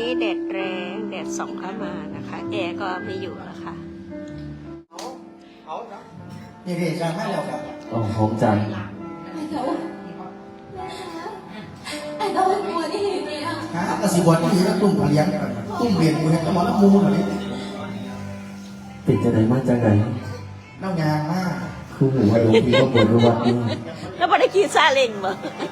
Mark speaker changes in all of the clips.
Speaker 1: แดดแรงแดดส่องเข้ามานะคะแอร์ก็ไม่อยู่แล้วค่ะ
Speaker 2: นี่เด็กจะไม่แล้วครับ
Speaker 3: 哦，红展，
Speaker 4: ไอ้ตัวหัวนี่เนี่ย
Speaker 2: ฮะกระสีบอลที่แล้วตุ้มเลี้ยงกันตุ้มเรียนกูเนี่ยกระบอกน้ำมูนอะไร
Speaker 3: เป็นจะไหนมาจากไหน
Speaker 2: น้ำยางมาก
Speaker 3: คือหูว่าหลวงพี่ก็ปวดรู้วัดนี่
Speaker 1: แล้วบริกีซาเล้งบ่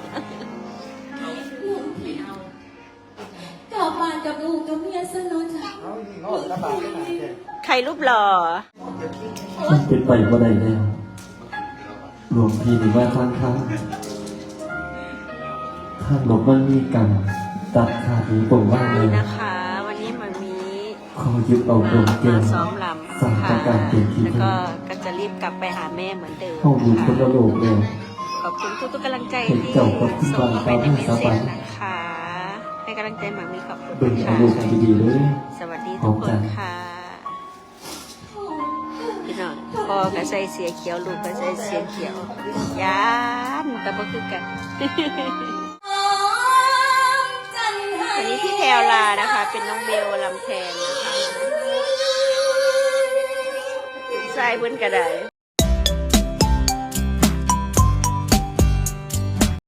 Speaker 4: กลับบ้านกับลูกกับเมียซะเนาะจ้ะ
Speaker 1: ใครรูปหล่อ
Speaker 3: มันเป็นไปบ่ได้แล้วหลวงพี่นี่ว่าทางหลบมันมีกรรมตัดขาดหรือปงว่างเล
Speaker 1: นี่
Speaker 3: ย
Speaker 1: นะคะ วันนี้มันมี
Speaker 3: ขอยึดเอาดวงแก้
Speaker 1: มาว ซ้อมลำ
Speaker 3: สั่ง
Speaker 1: ค่ะ
Speaker 3: จากการเปลี่ยนที
Speaker 1: แล้ว
Speaker 3: นี้
Speaker 1: ก็จะรีบกลับไปหาแม่เหมือนเดิม
Speaker 3: เข้าอยู่
Speaker 1: นะ
Speaker 3: คน
Speaker 1: คะ
Speaker 3: ละโลกแล้ว
Speaker 1: ขอบคุณทุกๆกำลังใจ
Speaker 3: เห็น
Speaker 1: ที่
Speaker 3: เจ้าก็ขึ้น
Speaker 1: ส่ง
Speaker 3: วาง
Speaker 1: ไปใน
Speaker 3: ตาม
Speaker 1: เมส
Speaker 3: ให้
Speaker 1: เซ
Speaker 3: สบา
Speaker 1: จ
Speaker 3: ย
Speaker 1: นะคะให้กำลังใจหมามีขอบคุณ
Speaker 3: เบิ่งเอา
Speaker 1: ค่ะ
Speaker 3: ลูกดีๆเลย
Speaker 1: สวัสดีทุกคนค่ะพี่น้องพ่อก็ใส่เสียเขียวลูกก็ใส่เสียเขียวยานแต่บ่คือกัน วันนี้พี่แพรวลานะคะ เป็นน้องเบลลำแทนนะคะใส่เพิ่นก็ได้